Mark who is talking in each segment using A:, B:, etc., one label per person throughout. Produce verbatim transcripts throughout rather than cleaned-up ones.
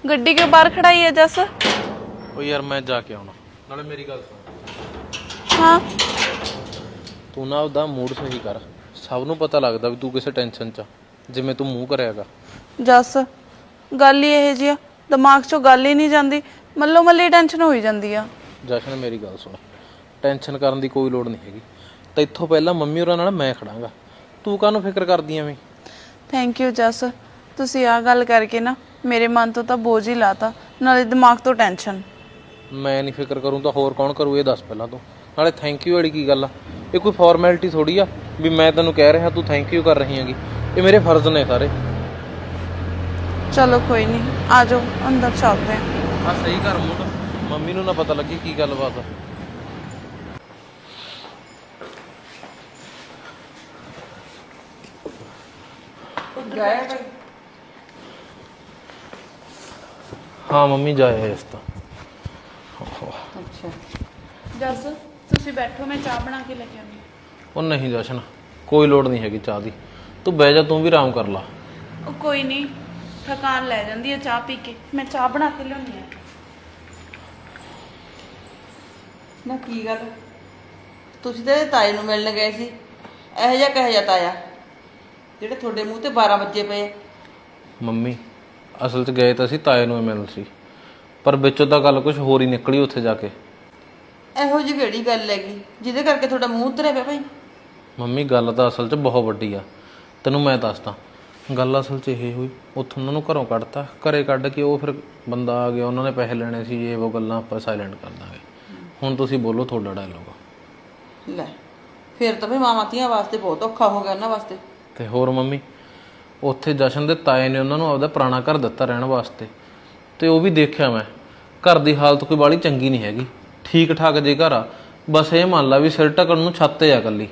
A: ਗੱਡੀ ਕਿਉਂ ਬਾਹਰ ਖੜਾਈ ਹੈ ਜੱਸ?
B: ਉਹ ਯਾਰ ਮੈਂ ਜਾ ਕੇ ਆਉਣਾ, ਨਾਲੇ ਮੇਰੀ ਗੱਲ ਸੁਣ।
A: ਹਾਂ
B: ਤੂੰ ਨਾ ਉਹਦਾ ਮੂਡ ਸਹੀ ਕਰ, ਸਭ ਨੂੰ ਪਤਾ ਲੱਗਦਾ ਵੀ ਤੂੰ ਕਿਸੇ ਟੈਨਸ਼ਨ 'ਚ ਆ, ਜਿਵੇਂ ਤੂੰ ਮੂੰਹ ਕਰਿਆਗਾ।
A: ਜੱਸ ਗੱਲ ਹੀ ਇਹ ਜਿਹੀ ਆ, ਦਿਮਾਗ 'ਚੋਂ ਗੱਲ ਹੀ ਨਹੀਂ ਜਾਂਦੀ, ਮੱਲੋ ਮੱਲੀ ਟੈਨਸ਼ਨ ਹੋਈ ਜਾਂਦੀ ਆ।
B: ਜਸ਼ਨ ਮੇਰੀ ਗੱਲ ਸੁਣ, ਟੈਨਸ਼ਨ ਕਰਨ ਦੀ ਕੋਈ ਲੋੜ ਨਹੀਂ ਹੈਗੀ। ਤਾਂ ਇੱਥੋਂ ਪਹਿਲਾਂ ਮੰਮੀ ਹੋਰਾਂ ਨਾਲ ਮੈਂ ਖੜਾਂਗਾ, ਤੂੰ ਕਾਹਨੂੰ ਫਿਕਰ ਕਰਦੀ ਐਵੇਂ?
A: ਥੈਂਕ ਯੂ ਜੱਸ, ਤੁਸੀਂ ਆਹ ਗੱਲ ਕਰਕੇ ਨਾ ਮੇਰੇ ਮਨ ਤੋਂ ਤਾਂ ਬੋਝ ਹੀ ਲਾਤਾ, ਨਾਲੇ ਦਿਮਾਗ ਤੋਂ ਟੈਨਸ਼ਨ।
B: ਮੈਂ ਨਹੀਂ ਫਿਕਰ ਕਰੂੰ ਤਾਂ ਹੋਰ ਕੌਣ ਕਰੂ? ਇਹ ਦੱਸ ਪਹਿਲਾਂ ਤੂੰ। ਨਾਲੇ ਥੈਂਕ ਯੂ ਵਾਲੀ ਕੀ ਗੱਲ ਆ? ਇਹ ਕੋਈ ਫਾਰਮੈਲਿਟੀ ਥੋੜੀ ਆ ਵੀ ਮੈਂ ਤੈਨੂੰ ਕਹਿ ਰਿਹਾ ਤੂੰ ਥੈਂਕ ਯੂ ਕਰ ਰਹੀ ਹੈਗੀ। ਇਹ ਮੇਰੇ ਫਰਜ਼ ਨੇ ਸਾਰੇ।
A: ਚਲੋ ਕੋਈ ਨਹੀਂ, ਆ ਜਾਓ ਅੰਦਰ ਚੱਲਦੇ ਹਾਂ।
B: ਆ ਸਹੀ ਕਰ ਮੂਡ, ਮੰਮੀ ਨੂੰ ਨਾ ਪਤਾ ਲੱਗੇ ਕੀ ਗੱਲਬਾਤ ਆ। ਹਾਂ ਮੰਮੀ ਜਾਏ ਇਸ ਤਾਂ।
A: ਅੱਛਾ ਜੱਸ ਤੁਸੀਂ ਬੈਠੋ, ਮੈਂ ਚਾਹ ਬਣਾ ਕੇ ਲੈ ਕੇ ਆਉਂਦੀ।
B: ਉਹ ਨਹੀਂ ਜਸ਼ਨ, ਕੋਈ ਲੋੜ ਨਹੀਂ ਹੈਗੀ ਚਾਹ ਦੀ, ਤੂੰ ਬਹਿ ਜਾ, ਤੂੰ ਵੀ ਆਰਾਮ ਕਰ ਲਾ।
A: ਉਹ ਕੋਈ ਨਹੀਂ, ਥਕਾਨ ਲੈ ਜਾਂਦੀ ਹੈ ਚਾਹ ਪੀ ਕੇ, ਮੈਂ ਚਾਹ ਬਣਾ ਕੇ ਲਿਆਉਂਦੀ ਹਾਂ।
C: ਨਾ ਕੀ ਗੱਲ, ਤੁਸੀਂ ਤਾਂ ਇਹਦੇ ਤਾਏ ਨੂੰ ਮਿਲਣ ਗਏ ਸੀ, ਇਹੋ ਜਿਹਾ ਕਿਹੋ ਜਿਹਾ ਤਾਇਆ ਜਿਹੜੇ ਤੁਹਾਡੇ ਮੂੰਹ ਤੇ ਬਾਰਾਂ ਵੱਜੇ ਪਏ?
B: ਮੰਮੀ ਅਸਲ 'ਚ ਗਏ ਤਾਂ ਅਸੀਂ ਤਾਏ ਨੂੰ ਮਿਲਣ ਸੀ, ਪਰ ਵਿੱਚੋਂ ਤਾਂ ਗੱਲ ਕੁਝ ਹੋਰ ਹੀ ਨਿਕਲੀ ਉੱਥੇ ਜਾ ਕੇ।
C: ਇਹੋ ਜਿਹੀ ਕਿਹੜੀ ਗੱਲ ਹੈਗੀ ਜਿਹਦੇ ਕਰਕੇ ਤੁਹਾਡਾ ਮੂੰਹ ਉਤਰਿਆ ਪਿਆ ਭਾਈ?
B: ਮੰਮੀ ਗੱਲ ਤਾਂ ਅਸਲ 'ਚ ਬਹੁਤ ਵੱਡੀ ਆ, ਤੈਨੂੰ ਮੈਂ ਦੱਸਦਾ। ਗੱਲ ਅਸਲ 'ਚ ਇਹ ਹੋਈ, ਉੱਥੋਂ ਉਹਨਾਂ ਨੂੰ ਘਰੋਂ ਕੱਢਤਾ, ਘਰੇ ਕੱਢ ਕੇ ਉਹ ਫਿਰ ਬੰਦਾ ਆ ਗਿਆ, ਉਹਨਾਂ ਨੇ ਪੈਸੇ ਲੈਣੇ ਸੀ, ਇਹ ਉਹ ਗੱਲਾਂ ਆਪਾਂ ਸਾਇਲੈਂਟ ਕਰ ਦਾਂਗੇ। ਹੁਣ ਤੁਸੀਂ ਬੋਲੋ, ਤੁਹਾਡਾ ਡਾਇਲੋਗ।
C: ਲੈ ਫਿਰ ਤਾਂ ਭਾਈ ਮਾਵਾਂ ਧੀਆਂ ਵਾਸਤੇ ਬਹੁਤ ਔਖਾ ਹੋ ਗਿਆ ਉਹਨਾਂ ਵਾਸਤੇ।
B: ਤੇ ਹੋਰ ਮੰਮੀ, ਉੱਥੇ ਜਸ਼ਨ ਦੇ ਤਾਏ ਨੇ ਉਹਨਾਂ ਨੂੰ ਆਪਦਾ ਪੁਰਾਣਾ ਘਰ ਦਿੱਤਾ ਰਹਿਣ ਵਾਸਤੇ, ਤੇ ਉਹ ਵੀ ਦੇਖਿਆ ਮੈਂ, ਘਰ ਦੀ ਹਾਲਤ ਕੋਈ ਬਾਹਲੀ ਚੰਗੀ ਨਹੀਂ ਹੈਗੀ। ਠੀਕ ਠਾਕ ਜੇ ਘਰ ਆ, ਬਸ ਇਹ ਮੰਨ ਲਾ ਵੀ ਸਿਰ ਢੱਕਣ ਨੂੰ ਛੱਤ ਆ ਇਕੱਲੀ।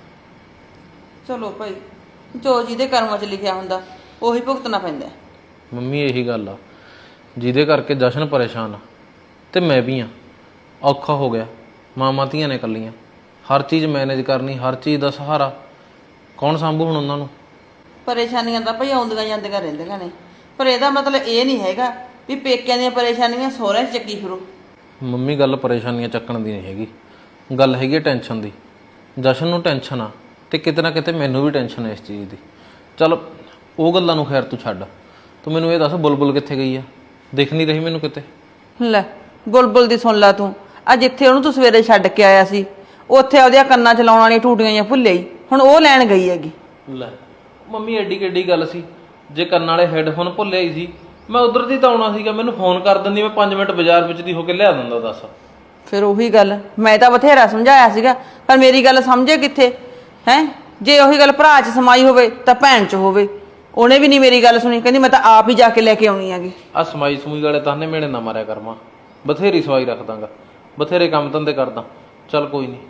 C: ਚਲੋ ਭਾਈ, ਜੋ ਜਿਹਦੇ ਕਰਮਾਂ 'ਚ ਲਿਖਿਆ ਹੁੰਦਾ ਉਹੀ ਭੁਗਤਣਾ ਪੈਂਦਾ।
B: ਮੰਮੀ ਇਹੀ ਗੱਲ ਆ ਜਿਹਦੇ ਕਰਕੇ ਜਸ਼ਨ ਪਰੇਸ਼ਾਨ ਆ, ਤੇ ਮੈਂ ਵੀ ਆ। ਔਖਾ ਹੋ ਗਿਆ, ਮਾਵਾਂ ਧੀਆਂ ਨੇ ਇਕੱਲੀਆਂ, ਹਰ ਚੀਜ਼ ਮੈਨੇਜ ਕਰਨੀ, ਹਰ ਚੀਜ਼ ਦਾ ਸਹਾਰਾ ਕੌਣ ਸੰਭੂ ਹੁਣ ਉਹਨਾਂ ਨੂੰ?
C: ਪਰੇਸ਼ਾਨੀਆਂ ਤਾਂ ਭਾਈ ਆਉਂਦੀਆਂ ਜਾਂਦੀਆਂ ਰਹਿੰਦੀਆਂ ਨੇ, ਪਰ ਇਹਦਾ ਮਤਲਬ ਇਹ ਨਹੀਂ ਹੈਗਾ ਵੀ ਪੇਕਿਆਂ ਦੀਆਂ ਪਰੇਸ਼ਾਨੀਆਂ ਸਹੁਰਿਆਂ 'ਚ ਚੱਕੀ ਫਿਰੋ।
B: ਮੰਮੀ ਗੱਲ ਪਰੇਸ਼ਾਨੀਆਂ ਚੱਕਣ ਦੀ ਨਹੀਂ ਹੈਗੀ, ਗੱਲ ਹੈਗੀ ਟੈਨਸ਼ਨ ਦੀ। ਜਸ਼ਨ ਨੂੰ ਟੈਨਸ਼ਨ ਆ, ਤੇ ਕਿਤੇ ਨਾ ਕਿਤੇ ਮੈਨੂੰ ਵੀ ਟੈਨਸ਼ਨ ਹੈ ਇਸ ਚੀਜ਼ ਦੀ। ਚੱਲ ਉਹ ਗੱਲਾਂ ਨੂੰ ਖੈਰ ਤੂੰ ਛੱਡ, ਤੂੰ ਮੈਨੂੰ ਇਹ ਦੱਸ ਬੁਲਬੁਲ ਕਿੱਥੇ ਗਈ ਆ? ਦਿਖ ਨਹੀਂ ਰਹੀ ਮੈਨੂੰ ਕਿਤੇ।
C: ਲੈ ਬੁਲਬੁਲ ਦੀ ਸੁਣ ਲਾ ਤੂੰ, ਆ ਜਿੱਥੇ ਉਹਨੂੰ ਤੂੰ ਸਵੇਰੇ ਛੱਡ ਕੇ ਆਇਆ ਸੀ ਉੱਥੇ ਉਹਦੀਆਂ ਕੰਨਾਂ 'ਚ ਲਾਉਣ ਵਾਲੀਆਂ ਟੂਟੀਆਂ ਜਾਂ ਭੁੱਲੇ ਹੀ, ਹੁਣ ਉਹ ਲੈਣ ਗਈ ਹੈਗੀ।
B: ਲੈ ਮੰਮੀ ਐਡੀ ਕਿੱਡੀ ਗੱਲ ਸੀ, ਜੇ ਕੰਨ ਵਾਲੇ ਹੈੱਡਫੋਨ ਭੁੱਲੇ ਹੀ ਸੀ, ਮੈਂ ਉਧਰ ਦੀ ਤਾਂ ਆਉਣਾ ਸੀਗਾ, ਮੈਨੂੰ ਫੋਨ ਕਰ ਦਿੰਦੀ, ਮੈਂ ਪੰਜ ਮਿੰਟ ਬਾਜ਼ਾਰ ਵਿੱਚ ਦੀ ਹੋ ਕੇ ਲਿਆ ਦਿੰਦਾ। ਦੱਸ
C: ਫਿਰ ਉਹੀ ਗੱਲ, ਮੈਂ ਤਾਂ ਬਥੇਰਾ ਸਮਝਾਇਆ ਸੀਗਾ, ਪਰ ਮੇਰੀ ਗੱਲ ਸਮਝੇ ਕਿੱਥੇ ਹੈ? ਜੇ ਉਹੀ ਗੱਲ ਭਰਾ 'ਚ ਸਮਾਈ ਹੋਵੇ ਤਾਂ ਭੈਣ 'ਚ ਹੋਵੇ, ਉਹਨੇ ਵੀ ਨਹੀਂ ਮੇਰੀ ਗੱਲ ਸੁਣੀ, ਕਹਿੰਦੀ ਮੈਂ ਤਾਂ ਆਪ ਹੀ ਜਾ ਕੇ ਲੈ ਕੇ ਆਉਣੀ ਹੈਗੀ।
B: ਆ ਸਮਾਈ ਸਮੂਈ ਵਾਲੇ ਤਾਨੇ ਮੇਣੇ ਨਾ ਮਾਰਿਆ ਕਰਮਾ, ਬਥੇਰੀ ਸਵਾਈ ਰੱਖ ਦਾਂਗਾ, ਬਥੇਰੇ ਕੰਮ ਧੰਦੇ ਕਰਦਾ। ਚੱਲ ਕੋਈ ਨਹੀਂ,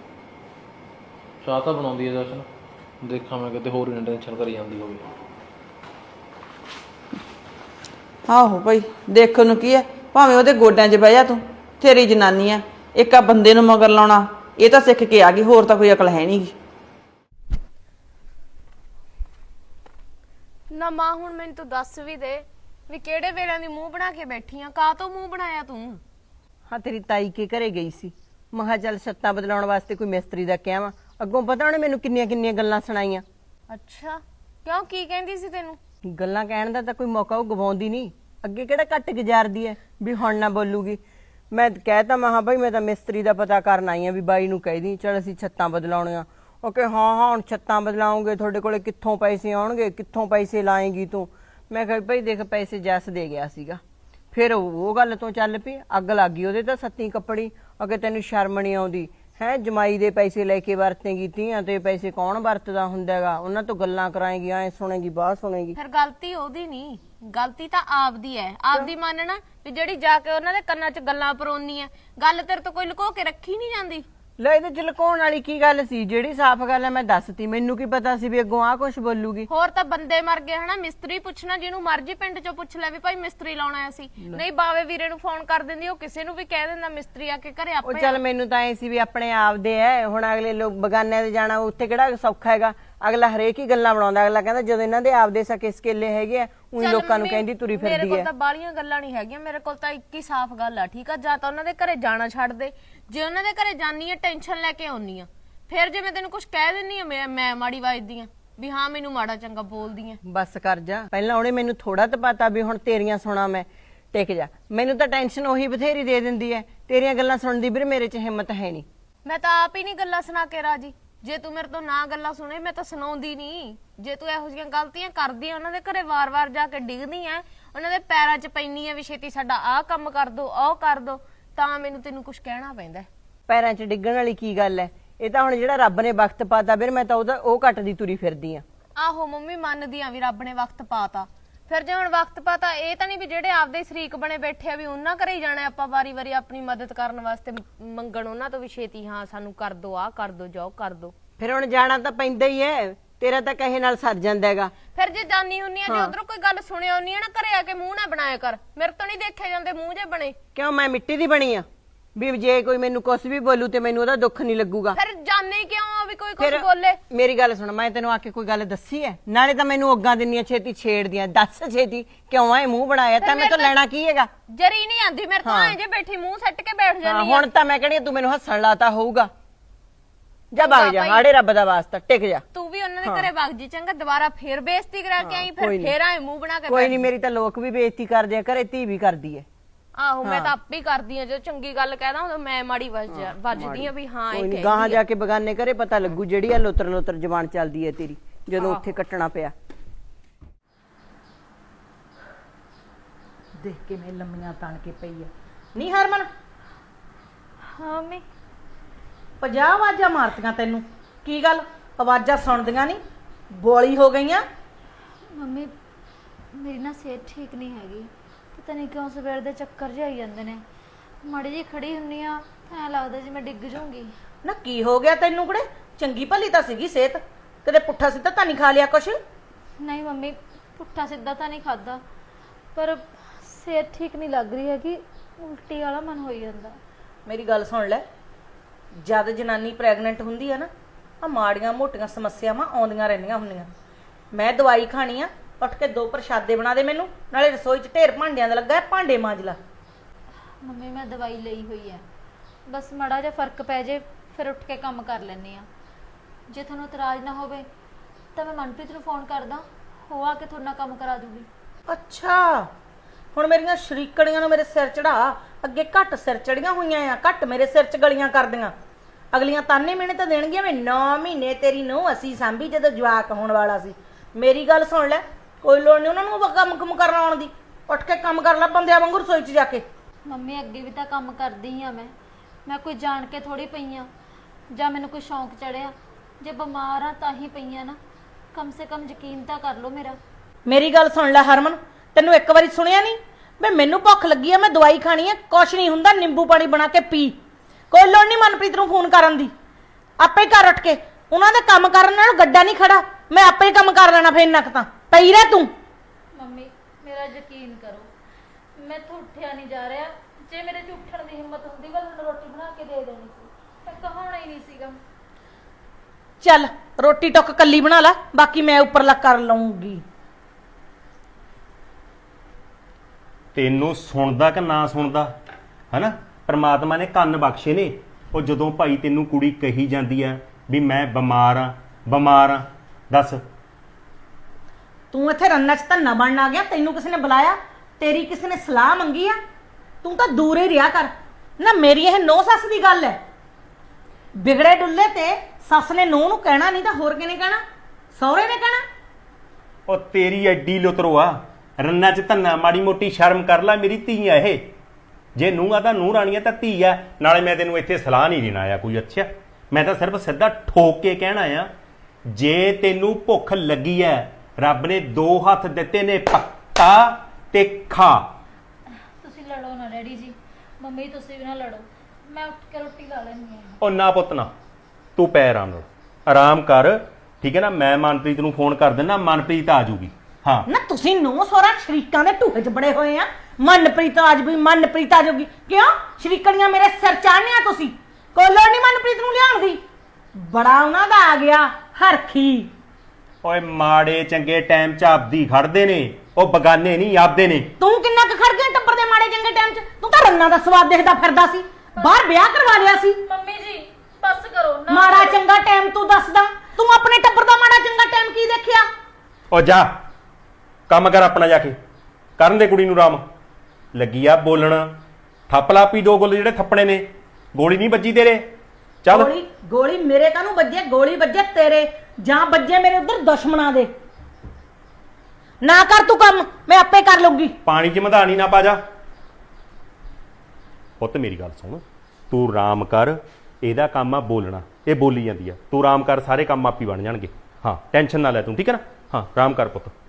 B: ਚਾਹ ਤਾਂ ਬਣਾਉਂਦੀ ਹੈ ਜਸ਼ਨ, ਦੇਖਾਂ ਮੈਂ ਕਿਤੇ ਹੋਰ ਹੀ ਟੈਨਸ਼ਨ ਕਰੀ ਜਾਂਦੀ ਹੋਵੇ।
C: ਆਹੋ ਭਾਈ, ਦੇਖਣ ਨੂੰ ਕੀ ਹੈ, ਭਾਵੇਂ ਉਹਦੇ ਗੋਡਿਆਂ 'ਚ ਬਹਿ ਜਾ ਤੂੰ, ਤੇਰੀ ਜਨਾਨੀ ਆ। ਇੱਕ ਆ ਬੰਦੇ ਨੂੰ ਮਗਰ ਲਾਉਣਾ, ਇਹ ਤਾਂ ਸਿੱਖ ਕੇ ਆ ਗਈ, ਹੋਰ ਤਾਂ ਕੋਈ ਅਕਲ ਹੈ ਨਹੀਂ ਗੀ।
D: ਨਾ ਮਾਂ, ਹੁਣ ਮੈਨੂੰ ਤੂੰ ਦੱਸ ਵੀ ਦੇ ਵੀ ਕਿਹੜੇ ਵੇਲੇ ਦੀ ਮੂੰਹ ਬਣਾ ਕੇ ਬੈਠੀ ਆ? ਕਾਹ ਤੋਂ ਮੂੰਹ ਬਣਾਇਆ ਤੂੰ?
E: ਹਾਂ ਤੇਰੀ ਤਾਈ ਕੇ ਘਰੇ ਗਈ ਸੀ, ਮਹਾ ਚੱਲ ਛੱਤਾਂ ਬਦਲਾਉਣ ਵਾਸਤੇ ਕੋਈ ਮਿਸਤਰੀ ਦਾ ਕਿਹਾ ਵਾ। ਅੱਗੋਂ ਪਤਾ ਉਹਨੇ ਮੈਨੂੰ ਕਿੰਨੀਆਂ ਕਿੰਨੀਆਂ ਗੱਲਾਂ ਸੁਣਾਈਆਂ।
D: ਅੱਛਾ, ਕਿਉਂ ਕੀ ਕਹਿੰਦੀ ਸੀ ਤੈਨੂੰ?
E: ਗੱਲਾਂ ਕਹਿਣ ਦਾ ਤਾਂ ਕੋਈ ਮੌਕਾ ਉਹ ਗਵਾਉਂਦੀ ਨਹੀਂ, ਅੱਗੇ ਕਿਹੜਾ ਘੱਟ ਗੁਜ਼ਾਰਦੀ ਹੈ ਵੀ ਹੁਣ ਨਾ ਬੋਲੂਗੀ। ਮੈਂ ਕਹਿਤਾ ਮਹਾ ਭਾਈ ਮੈਂ ਤਾਂ ਮਿਸਤਰੀ ਦਾ ਪਤਾ ਕਰਨ ਆਈ ਆ, ਵੀ ਬਾਈ ਨੂੰ ਕਹਿ ਦੀ ਚਲ ਅਸੀਂ ਛੱਤਾਂ ਬਦਲਾਉਣੀਆਂ। ਉਹ ਕਹੇ ਹਾਂ ਹਾਂ ਹੁਣ ਛੱਤਾਂ ਬਦਲਾਉਂਗੇ, ਤੁਹਾਡੇ ਕੋਲੇ ਕਿੱਥੋਂ ਪੈਸੇ ਆਉਣਗੇ, ਕਿੱਥੋਂ ਪੈਸੇ ਲਾਏਗੀ ਤੂੰ? ਮੈਂ ਕਿਹਾ ਭਾਈ ਦੇਖ ਪੈਸੇ ਜੱਸ ਦੇ ਗਿਆ ਸੀਗਾ। ਫਿਰ ਉਹ ਗੱਲ ਤੋਂ ਚੱਲ ਪਈ, ਅੱਗ ਲੱਗ ਗਈ ਉਹਦੇ ਤਾਂ ਸੱਤੀ ਕੱਪੜੀ। ਅਗੇ ਤੈਨੂੰ ਸ਼ਰਮ ਨਹੀਂ ਆਉਂਦੀ ਹੈ? ਜਮਾਈ ਦੇ ਪੈਸੇ ਲੈ ਕੇ ਵਰਤੇਗੀ, ਧੀਆਂ ਤੇ ਪੈਸੇ ਕੌਣ ਵਰਤਦਾ ਹੁੰਦਾ ਹੈਗਾ? ਉਹਨਾਂ ਤੋਂ ਗੱਲਾਂ ਕਰਾਏਗੀ, ਐ ਸੁਣੇਗੀ ਬਾਹਰ ਸੁਣੇਗੀ।
D: ਫਿਰ ਗਲਤੀ ਉਹਦੀ ਨਹੀਂ, ਗਲਤੀ ਤਾਂ ਆਪਦੀ ਹੈ। ਆਪਦੀ ਮੰਨਣਾ ਵੀ ਜਿਹੜੀ ਜਾ ਕੇ ਉਹਨਾਂ ਦੇ ਕੰਨਾਂ 'ਚ ਗੱਲਾਂ ਪਰੋਨੀ ਹੈ। ਗੱਲ ਤੇਰੇ ਤੋਂ ਕੋਈ ਲੁਕੋ ਕੇ ਰੱਖੀ ਨਹੀਂ ਜਾਂਦੀ।
E: ਲੈ ਇਹਦੇ ਚ ਲੁਕਾਉਣ ਵਾਲੀ ਕੀ ਗੱਲ ਸੀ? ਜਿਹੜੀ ਸਾਫ਼ ਗੱਲ ਹੈ ਮੈਂ ਦੱਸਤੀ, ਮੈਨੂੰ ਕੀ ਪਤਾ ਸੀ ਵੀ ਅੱਗੋਂ ਆ ਕੁਛ ਬੋਲੂਗੀ।
D: ਹੋਰ ਤਾਂ ਬੰਦੇ ਮਰ ਗਏ ਹਨਾ, ਮਿਸਤਰੀ ਪੁੱਛਣਾ ਜਿਹਨੂੰ ਮਰਜੀ ਪਿੰਡ 'ਚੋਂ ਪੁੱਛ ਲੈ ਵੀ ਭਾਈ ਮਿਸਤਰੀ ਲਾਉਣਾ ਆਇਆ ਸੀ। ਨਹੀਂ ਬਾਵੇ ਵੀਰੇ ਨੂੰ ਫੋਨ ਕਰ ਦਿੰਦੀ, ਉਹ ਕਿਸੇ ਨੂੰ ਵੀ ਕਹਿ ਦਿੰਦਾ ਮਿਸਤਰੀ ਆ ਕੇ ਘਰੇ
E: ਉਹ
D: ਆਪੇ।
E: ਚੱਲ ਮੈਨੂੰ ਤਾਂ ਐ ਸੀ ਵੀ ਆਪਣੇ ਆਪ ਦੇ ਐ, ਹੁਣ ਅਗਲੇ ਲੋਕ ਬਗਾਨਿਆਂ ਦੇ ਜਾਣਾ ਉੱਥੇ ਕਿਹੜਾ ਸੌਖਾ ਹੈਗਾ? ਅਗਲਾ ਹਰੇਕ ਹੀ ਗੱਲਾਂ ਬਣਾਉਂਦਾ। ਅਗਲਾ ਕਹਿੰਦਾ ਜਦੋਂ ਇਹਨਾਂ ਦੇ ਆਪਦੇ ਸਕੇ ਸਕੇਲੇ ਹੈਗੇ ਆ ਉਹੀ ਲੋਕਾਂ ਨੂੰ ਕਹਿੰਦੀ ਤੁਰੀ
D: ਮੇਰੇ
E: ਫਿਰਦੀ
D: ਕੋਲ
E: ਹੈ।
D: ਤਾਂ ਬਾਲੀਆਂ ਗੱਲਾਂ ਨਹੀਂ ਹੈਗੀਆਂ, ਮੇਰੇ ਕੋਲ ਤਾਂ ਇੱਕ ਹੀ ਸਾਫ਼ ਗੱਲ ਆ, ਠੀਕ ਆ? ਜਾਂ ਤਾਂ ਉਹਨਾਂ ਦੇ ਘਰੇ ਜਾਣਾ ਛੱਡ ਦੇ, ਜੇ ਉਹਨਾਂ ਦੇ ਘਰੇ ਜਾਨੀ ਆ ਟੈਨਸ਼ਨ ਲੈ ਕੇ ਆਉਣੀ ਆ, ਫਿਰ ਜੇ ਮੈਂ ਤੈਨੂੰ ਕੁਝ ਕਹਿ ਦਿੰਨੀ ਆ ਮੈਂ ਮੈਂ ਮਾੜੀ ਵੱਜਦੀ ਆ ਵੀ ਹਾਂ ਮੈਨੂੰ ਮਾੜਾ ਚੰਗਾ ਬੋਲਦੀ ਆ।
E: ਬਸ ਕਰ ਜਾ, ਪਹਿਲਾਂ ਉਹਨੇ ਮੈਨੂੰ ਥੋੜਾ ਤਾਂ ਪਤਾ ਵੀ ਹੁਣ ਤੇਰੀਆਂ ਸੁਣਾ ਮੈਂ, ਟਿਕ ਜਾ। ਮੈਨੂੰ ਤਾਂ ਟੈਨਸ਼ਨ ਉਹੀ ਬਥੇਰੀ ਦੇ ਦਿੰਦੀ ਹੈ, ਤੇਰੀਆਂ ਗੱਲਾਂ ਸੁਣਨ ਦੀ ਵੀਰ ਮੇਰੇ 'ਚ ਹਿੰਮਤ ਹੈ ਨਹੀਂ।
D: ਮੈਂ ਤਾਂ ਆਪ ਹੀ ਨਹੀਂ ਗੱਲਾਂ ਸੁਣਾ ਕੇ ਰਾਜੀ, ਜੇ ਤੂੰ ਮੇਰੇ ਤੋਂ ਨਾ ਗੱਲਾਂ ਸੁਣੇ ਮੈਂ ਤਾਂ ਸੁਣਾਉਂਦੀ ਨਹੀਂ। ਜੇ ਤੂੰ ਇਹੋ ਜਿਹੀਆਂ ਗਲਤੀਆਂ ਕਰਦੀ ਆ, ਉਹਨਾਂ ਦੇ ਘਰੇ ਵਾਰ-ਵਾਰ ਜਾ ਕੇ ਡਿੱਗਦੀ ਆ, ਉਹਨਾਂ ਦੇ ਪੈਰਾਂ 'ਚ ਪੈਣੀ ਆ ਵੀ ਛੇਤੀ ਸਾਡਾ ਆਹ ਕੰਮ ਕਰ ਦੋ ਆਹ ਕਰ ਦੋ, ਤਾਂ ਮੈਨੂੰ ਤੈਨੂੰ ਕੁਝ ਕਹਿਣਾ ਪੈਂਦਾ।
E: ਪੈਰਾਂ 'ਚ ਡਿੱਗਣ ਵਾਲੀ ਕੀ ਗੱਲ ਹੈ? ਇਹ ਤਾਂ ਹੁਣ ਜਿਹੜਾ ਰੱਬ ਨੇ ਵਕਤ ਪਾਤਾ ਵੀਰ, ਮੈਂ ਤਾਂ ਉਹਦਾ ਉਹ ਕੱਟਦੀ ਤੁਰੀ ਫਿਰਦੀ ਆ।
D: ਆਹੋ ਮੰਮੀ ਮੰਨਦੀ ਆ ਵੀ ਰੱਬ ਨੇ ਵਕਤ ਪਾਤਾ, ਫਿਰ ਜੇ ਹੁਣ ਵਕਤ ਪਾਤਾ ਇਹ ਤਾਂ ਨਹੀਂ ਵੀ ਜਿਹੜੇ ਆਪਦੇ ਸ਼ਰੀਕ ਬਣੇ ਬੈਠੇ ਆ ਵੀ ਉਹਨਾਂ ਘਰੇ ਹੀ ਜਾਣਾ ਆਪਾਂ ਵਾਰੀ-ਵਾਰੀ ਆਪਣੀ ਮਦਦ ਕਰਨ ਵਾਸਤੇ ਮੰਗਣ ਉਹਨਾਂ ਤੋਂ ਵੀ ਛੇਤੀ ਹਾਂ ਸਾਨੂੰ ਕਰ ਦੋ ਆਹ ਕਰ ਦੋ ਜੋ ਕਰ ਦੋ।
E: ਫਿਰ ਹੁਣ ਜਾਣਾ ਤਾਂ ਪੈਂਦਾ ਹੀ ਹੈ, ਤੇਰਾ ਤਾਂ ਕਹੇ ਨਾਲ ਸਰ ਜਾਂਦਾ ਹੈਗਾ।
D: ਫਿਰ ਜੇ ਜਾਨੀ ਹੁੰਨੀ ਆ, ਜੇ ਉਧਰੋਂ ਕੋਈ ਗੱਲ ਸੁਣਿਆ ਹੁੰਨੀ ਆ ਨਾ, ਘਰੇ ਆ ਕੇ ਮੂੰਹ ਨਾ ਬਣਾਇਆ ਕਰ, ਮੇਰੇ ਤੋਂ ਨਹੀਂ ਦੇਖੇ ਜਾਂਦੇ ਮੂੰਹ ਜੇ ਬਣੇ।
E: ਕਿਉਂ ਮੈਂ ਮਿੱਟੀ ਦੀ ਬਣੀ ਆ ਵੀ ਜੇ ਕੋਈ ਮੈਨੂੰ ਕੁਛ ਵੀ ਬੋਲੂ ਤੇ ਮੈਨੂੰ ਉਹਦਾ ਦੁੱਖ ਨਹੀਂ ਲੱਗੂਗਾ?
D: ਫਿਰ ਜਾਣੇ ਕਿਉਂ ਆ ਵੀ ਕੋਈ ਕੁਝ
E: ਫਿਰ
D: ਬੋਲੇ?
E: ਮੇਰੀ ਗੱਲ ਸੁਣ, ਮੈਂ ਤੈਨੂੰ ਆ ਕੇ ਕੋਈ ਗੱਲ ਦੱਸੀ ਹੈ? ਨਾਲੇ ਤਾਂ ਮੈਨੂੰ ਅੱਗਾਂ ਦਿੰਦੀਆਂ ਛੇਤੀ ਛੇੜਦੀਆਂ, ਦੱਸ ਛੇਤੀ ਕਿਉਂ ਐ ਮੂੰਹ ਬਣਾਇਆ? ਤਾਂ ਮੈਂ ਤਾਂ ਲੈਣਾ ਕੀ ਹੈਗਾ?
D: ਜਰੀ ਨਹੀਂ ਆਂਦੀ ਮੇਰੇ ਤੋਂ, ਐ ਜੇ ਬੈਠੀ ਮੂੰਹ ਸੱਟ ਕੇ ਬੈਠ
E: ਹਾਂ,
D: ਜਾਨੀ ਆ।
E: ਹੁਣ ਤਾਂ ਮੈਂ ਕਹਿੰਦੀ ਤੂੰ ਮੈਨੂੰ ਹੱਸਣ ਲਾਤਾ ਹੋਊਗਾ। ਜਾ ਭੱਗ ਜਾ, ਹਾੜੇ ਰੱਬ ਦਾ ਵਾਸਤਾ, ਟਿਕ ਜਾ।
D: ਤੂੰ ਵੀ ਉਹਨਾਂ ਦੇ ਘਰੇ ਵਗ ਜੀ ਚੰਗਾ, ਦੁਬਾਰਾ ਫੇਰ ਬੇਇੱਜ਼ਤੀ ਕਰਾ ਕੇ ਆਈ, ਫਿਰ ਫੇਰ ਆਏ ਮੂੰਹ ਬਣਾ ਕੇ
E: ਕੋਈ ਨਹੀਂ, ਮੇਰੀ ਤਾਂ ਲੋਕ ਵੀ ਬੇਇੱਜ਼ਤੀ ਕਰਦੇ ਆ, ਘਰੇ ਧੀ ਵੀ ਕਰਦੀ ਹੈ।
D: ਆਹੋ ਮੈਂ ਤਾਂ ਆਪੇ ਹੀ ਕਰਦੀ ਆ, ਜਦੋਂ ਚੰਗੀ ਗੱਲ ਕਹਿਦਾ ਉਦੋਂ ਮੈਂ ਮਾੜੀ ਵੱਜ- ਵੱਜਦੀ ਆ ਵੀ ਹਾਂ
E: ਕੋਈ
D: ਇਹ
E: ਨਹੀਂ, ਗਾਹਾਂ ਜਾ ਕੇ ਬਗਾਨੇ ਘਰੇ ਪਤਾ ਲੱਗੂ ਜਿਹੜੀ ਆ ਲੋਤਰ ਲੋਤਰ ਜ਼ਬਾਨ ਚੱਲਦੀ ਹੈ ਤੇਰੀ, ਜਦੋਂ ਉੱਥੇ ਕੱਟਣਾ ਪਿਆ।
F: ਦੇਖ ਕੇ ਮੈਂ ਲੰਮੀਆਂ ਤਾਣ ਕੇ ਪਈ ਆ। ਨਹੀਂ ਹਰਮਨ,
D: ਹਾਂ ਮੈਂ
F: ਪੰਜਾਹ ਆਵਾਜ਼ਾਂ ਮਾਰਤੀਆਂ ਤੈਨੂੰ, ਕੀ ਗੱਲ ਆਵਾਜ਼ਾਂ ਸੁਣਦੀਆਂ ਨਹੀਂ? ਬੋਲੀ ਹੋ ਗਈਆਂ?
G: ਮੰਮੀ ਮੇਰੀ ਨਾ ਸਿਹਤ ਠੀਕ ਨਹੀਂ ਹੈਗੀ, ਪਤਾ ਨਹੀਂ ਕਿਉਂ ਸਵੇਰ ਦੇ ਚੱਕਰ ਜਿਹੇ ਆਈ ਜਾਂਦੇ ਨੇ। ਮਾੜੀ ਜਿਹੀ ਖੜੀ ਹੁੰਨੀ ਆ ਤਾਂ ਐਂ ਲੱਗਦਾ ਜਿਵੇਂ ਡਿੱਗ ਜਾਊਂਗੀ।
F: ਨਾ ਕੀ ਹੋ ਗਿਆ ਤੈਨੂੰ ਕੁੜੇ? ਚੰਗੀ ਭਲੀ ਤਾਂ ਸੀਗੀ ਸਿਹਤ, ਕਦੇ ਪੁੱਠਾ ਸਿੱਧਾ ਤਾਂ ਨਹੀਂ ਖਾ ਲਿਆ ਕੁਛ?
G: ਨਹੀਂ ਮੰਮੀ, ਪੁੱਠਾ ਸਿੱਧਾ ਤਾਂ ਨਹੀਂ ਖਾਦਾ, ਪਰ ਸਿਹਤ ਠੀਕ ਨਹੀਂ ਲੱਗ ਰਹੀ ਹੈਗੀ, ਉਲਟੀ ਵਾਲਾ ਮਨ ਹੋਈ ਜਾਂਦਾ।
F: ਮੇਰੀ ਗੱਲ ਸੁਣ ਲੈ, ਜਦ ਜਨਾਨੀ ਪ੍ਰੈਗਨੈਂਟ ਹੁੰਦੀ ਆ ਨਾ, ਆ ਮਾੜੀਆਂ ਮੋਟੀਆਂ ਸਮੱਸਿਆਵਾਂ ਆਉਂਦੀਆਂ ਰਹਿੰਦੀਆਂ ਹੁੰਦੀਆਂ। ਮੈਂ ਦਵਾਈ ਖਾਣੀ ਆ, ਉੱਠ ਕੇ ਦੋ ਪ੍ਰਸ਼ਾਦੇ ਬਣਾ ਦੇ ਮੈਨੂੰ, ਨਾਲੇ ਰਸੋਈ 'ਚ ਢੇਰ ਭਾਂਡਿਆਂ ਦਾ ਲੱਗਾ ਹੈ, ਭਾਂਡੇ ਮਾਂਜ ਲਾ।
G: ਮੰਮੀ ਮੈਂ ਦਵਾਈ ਲਈ ਹੋਈ ਹੈ, ਬਸ ਮਾੜਾ ਜਿਹਾ ਫਰਕ ਪੈ ਜੇ ਫਿਰ ਉੱਠ ਕੇ ਕੰਮ ਕਰ ਲੈਂਦੀ ਆ। ਜੇ ਤੁਹਾਨੂੰ ਇਤਰਾਜ਼ ਨਾ ਹੋਵੇ ਤਾਂ ਮੈਂ ਮਨਪ੍ਰੀਤ ਨੂੰ ਫੋਨ ਕਰਦਾ, ਉਹ ਆ ਕੇ ਤੁਹਾਡੇ ਨਾਲ ਕੰਮ ਕਰਾ ਦੂਗੀ।
F: ਅੱਛਾ, ਹੁਣ ਮੇਰੀਆਂ ਸ਼ਰੀਕੜੀਆਂ ਨੂੰ ਮੇਰੇ ਸਿਰ ਚੜਾ, ਅੱਗੇ ਘੱਟ ਸਿਰ ਚੜੀਆਂ ਹੋਈਆਂ ਆ, ਘੱਟ ਮੇਰੇ ਸਿਰ 'ਚ ਗਲੀਆਂ ਕਰਦੀਆਂ। ਅਗਲੀਆਂ ਤਾਨੇ ਮਿਹਣੇ ਤਾਂ ਦੇਣਗੀਆਂ ਵੀ ਨੌ ਮਹੀਨੇ ਤੇਰੀ ਨੂੰ ਅਸੀਂ ਸਾਂਭੀ ਜਦੋਂ ਜਵਾਕ ਹੋਣ ਵਾਲਾ ਸੀ। ਮੇਰੀ ਗੱਲ ਸੁਣ ਲੈ, ਕੋਈ ਲੋੜ ਨਹੀਂ ਉਹਨਾਂ ਨੂੰ ਕੰਮ ਕੁਮ ਕਰਨ ਆਉਣ ਦੀ, ਉੱਠ ਕੇ ਕੰਮ ਕਰ ਲੈ ਬੰਦਿਆਂ ਵਾਂਗੂ ਰਸੋਈ 'ਚ ਜਾ ਕੇ।
G: ਮੰਮੀ ਅੱਗੇ ਵੀ ਤਾਂ ਕੰਮ ਕਰਦੀ ਆ ਮੈਂ ਮੈਂ ਕੋਈ ਜਾਣ ਕੇ ਥੋੜੀ ਪਈ ਆ, ਜਾਂ ਮੈਨੂੰ ਕੋਈ ਸ਼ੌਂਕ ਚੜਿਆ। ਜੇ ਬਿਮਾਰ ਆ ਤਾਂ ਹੀ ਪਈ ਆ ਨਾ, ਕਮ ਸੇ ਕਮ ਯਕੀਨ ਤਾਂ ਕਰ ਲਓ ਮੇਰਾ।
F: ਮੇਰੀ ਗੱਲ ਸੁਣ ਲੈ ਹਰਮਨ, ਤੈਨੂੰ ਇੱਕ ਵਾਰੀ ਸੁਣਿਆ ਨਹੀਂ ਮੈਂ ਮੈਨੂੰ ਭੁੱਖ ਲੱਗੀ ਆ, ਮੈਂ ਦਵਾਈ ਖਾਣੀ ਆ, ਕੁਛ ਨਹੀਂ ਹੁੰਦਾ, ਨਿੰਬੂ ਪਾਣੀ ਬਣਾ ਕੇ ਪੀ। ਕੋਈ ਲੋੜ ਨਹੀਂ ਮਨਪ੍ਰੀਤ ਨੂੰ ਫੋਨ ਕਰਨ ਦੀ, ਆਪੇ ਘਰ ਉੱਠ ਕੇ ਉਹਨਾਂ ਦੇ ਕੰਮ ਕਰਨ ਨਾਲ ਗੱਡਾ ਨਹੀਂ ਖੜਾ, ਮੈਂ ਆਪੇ ਹੀ ਕੰਮ ਕਰ ਲੈਣਾ। ਫੇਰ ਨੱਕ ਤਾਂ ਪਈ ਰਹਿ ਤੂੰ।
G: ਮੰਮੀ ਮੇਰਾ ਯਕੀਨ ਕਰੋ, ਮੈਂ ਤਾਂ ਉੱਠਿਆ ਨਹੀਂ ਜਾ ਰਿਹਾ। ਜੇ ਮੇਰੇ 'ਚ ਉੱਠਣ ਦੀ ਹਿੰਮਤ ਹੁੰਦੀ ਮੈਂ ਤੁਹਾਨੂੰ ਰੋਟੀ ਬਣਾ ਕੇ ਦੇ ਦੇਣੀ ਸੀ, ਤਾਂ ਕਹਾਉਣਾ ਹੀ ਨਹੀਂ ਸੀਗਾ।
F: ਚੱਲ ਰੋਟੀ ਟੁੱਕ ਕੱਲੀ ਬਣਾ ਲੈ, ਬਾਕੀ ਮੈਂ ਉੱਪਰਲਾ ਕਰ ਲਵਾਂਗੀ।
H: ਤੈਨੂੰ ਸੁਣਦਾ ਕਿ ਨਾ ਸੁਣਦਾ ਹਨਾ, ਪਰਮਾਤਮਾ ਨੇ ਕੰਨ ਬਖਸ਼ੇ ਨੇ। ਉਹ ਜਦੋਂ ਭਾਈ ਤੈਨੂੰ ਕੁੜੀ ਕਹੀ ਜਾਂਦੀ ਆ ਵੀ ਮੈਂ ਬਿਮਾਰ ਆ ਬਿਮਾਰ ਆ, ਦੱਸ
F: ਤੂੰ ਇੱਥੇ ਰੰਨਾ 'ਚ ਧੰਨਾ ਬਣਨ ਆ ਗਿਆ? ਤੈਨੂੰ ਕਿਸੇ ਨੇ ਬੁਲਾਇਆ? ਤੇਰੀ ਕਿਸੇ ਨੇ ਸਲਾਹ ਮੰਗੀ ਆ? ਤੂੰ ਤਾਂ ਦੂਰ ਹੀ ਰਿਹਾ ਕਰ ਨਾ। ਮੇਰੀ ਇਹ ਨੌ ਸੱਸ ਦੀ ਗੱਲ ਹੈ, ਵਿਗੜੇ ਡੁੱਲੇ ਤੇ ਸੱਸ ਨੇ ਨੂੰਹ ਨੂੰ ਕਹਿਣਾ ਨਹੀਂ ਤਾਂ ਹੋਰ ਕਿਹਨੇ ਕਹਿਣਾ? ਸਹੁਰੇ ਨੇ ਕਹਿਣਾ।
H: ਉਹ ਤੇਰੀ ਐਡੀ ਲੁਤਰੋ ਆ, ਰੰਨਾ 'ਚ ਧੰਨਾ, ਮਾੜੀ ਮੋਟੀ ਸ਼ਰਮ ਕਰ ਲੈ, ਮੇਰੀ ਧੀ ਆ ਇਹ। ਜੇ ਨੂੰਹ ਆ ਤਾਂ ਨੂੰਹ ਰਾਣੀ ਆ ਤਾਂ ਧੀ ਆ। ਨਾਲੇ ਮੈਂ ਤੈਨੂੰ ਇੱਥੇ ਸਲਾਹ ਨਹੀਂ ਦੇਣਾ ਆਇਆ ਕੋਈ, ਅੱਛਾ ਮੈਂ ਤਾਂ ਸਿਰਫ ਸਿੱਧਾ ਠੋਕ ਕੇ ਕਹਿਣਾ ਆ, ਜੇ ਤੈਨੂੰ ਭੁੱਖ ਲੱਗੀ ਐ, ਰੱਬ ਨੇ ਦੋ ਹੱਥ ਦਿੱਤੇ ਨੇ, ਪੱਕਾ ਤੇ ਖਾ।
G: ਤੁਸੀਂ ਲੜੋ ਨਾ ਡੈਡੀ ਜੀ, ਮੰਮੀ ਤੁਸੀਂ ਵੀ ਨਾ ਲੜੋ, ਮੈਂ ਉੱਠ ਕੇ ਰੋਟੀ ਲਾ ਲੈਂਦੀ ਹਾਂ।
H: ਉਹ ਨਾ ਪੁੱਤ ਨਾ, ਤੂੰ ਪੈ ਆਰਾਮ ਨਾਲ, ਆਰਾਮ ਕਰ, ਠੀਕ ਹੈ ਨਾ। ਮੈਂ ਮਨਪ੍ਰੀਤ ਨੂੰ ਫੋਨ ਕਰ ਦਿੰਦਾ, ਮਨਪ੍ਰੀਤ ਆ ਜਾਊਗੀ। ਹਾਂ
F: ਨਾ ਤੁਸੀਂ ਨੂੰਹ ਸਹੁਰਾ ਸ਼ਰੀਕਾਂ ਦੇ ਢੂਹੇ 'ਚ ਬੜੇ ਹੋਏ ਆ। ਮਨਪ੍ਰੀਤ ਆ ਜਾਊਗੀ, ਮਨਪ੍ਰੀਤ ਆ ਜਾਊਗੀ, ਕਿਉਂ ਸ਼ਰੀਕਣੀਆਂ ਮੇਰੇ ਸਿਰ ਚਾੜਨੀਆਂ ਤੁਸੀਂ? ਕੋਈ ਲੋੜ ਨਹੀਂ ਮਨਪ੍ਰੀਤ ਨੂੰ ਲਿਆਉਣ ਦੀ, ਬੜਾ ਉਹਨਾਂ ਦਾ ਆ ਗਿਆ ਹਰਖੀ।
H: ਓਏ ਮਾੜੇ ਚੰਗੇ ਟਾਈਮ 'ਚ ਆਪਦੀ ਖੜਦੇ ਨੇ, ਉਹ ਬਗਾਨੇ ਨਹੀਂ ਆਪਦੇ ਨੇ।
F: ਤੂੰ ਕਿੰਨਾ ਕੁ ਖੜ ਗਿਆ ਟੱਬਰ ਦੇ ਮਾੜੇ ਚੰਗੇ ਟਾਈਮ 'ਚ? ਤੂੰ ਤਾਂ ਰੰਨਾਂ ਦਾ ਸਵਾਦ ਦੇਖਦਾ ਫਿਰਦਾ ਸੀ, ਬਾਹਰ ਵਿਆਹ ਕਰਵਾ ਲਿਆ ਸੀ।
G: ਮੰਮੀ ਜੀ ਬਸ ਕਰੋ ਨਾ।
F: ਮਾੜਾ ਚੰਗਾ ਟਾਈਮ ਤੂੰ ਦੱਸਦਾ, ਤੂੰ ਆਪਣੇ ਟੱਬਰ ਦਾ ਮਾੜਾ ਚੰਗਾ ਟਾਈਮ ਕੀ ਦੇਖਿਆ?
H: ਓ ਜਾ ਕੰਮ ਕਰ ਆਪਣਾ, ਜਾ ਕੇ ਕਰਨ ਦੇ ਕੁੜੀ ਨੂੰ ਆਰਾਮ। ਲੱਗੀ ਆ ਬੋਲਣ, ਠੱਪ ਲਾਪੀ ਦੋ ਗੁੱਲ ਜਿਹੜੇ ਥੱਪਣੇ ਨੇ, ਗੋਲੀ ਨਹੀਂ ਵੱਜੀ ਤੇਰੇ। ਚੱਲ
F: ਗੋਲੀ ਗੋਲੀ ਮੇਰੇ ਕਾਹਨੂੰ ਵੱਜੇ? ਗੋਲੀ ਵੱਜੇ ਤੇਰੇ, ਜਾਂ ਵੱਜੇ ਮੇਰੇ ਉਧਰ ਦੁਸ਼ਮਣਾਂ ਦੇ। ਨਾ ਕਰ ਤੂੰ ਕੰਮ, ਮੈਂ ਆਪੇ ਕਰ ਲਊਂਗੀ।
H: ਪਾਣੀ 'ਚ ਮਧਾਣੀ ਨਾ ਪਾ ਜਾ। ਪੁੱਤ ਮੇਰੀ ਗੱਲ ਸੁਣ, ਤੂੰ ਆਰਾਮ ਕਰ, ਇਹਦਾ ਕੰਮ ਆ ਬੋਲਣਾ, ਇਹ ਬੋਲੀ ਜਾਂਦੀ ਆ। ਤੂੰ ਆਰਾਮ ਕਰ, ਸਾਰੇ ਕੰਮ ਆਪੀ ਬਣ ਜਾਣਗੇ। ਹਾਂ ਟੈਨਸ਼ਨ ਨਾ ਲੈ ਤੂੰ, ਠੀਕ ਹੈ ਨਾ? ਹਾਂ ਆਰਾਮ ਕਰ ਪੁੱਤ।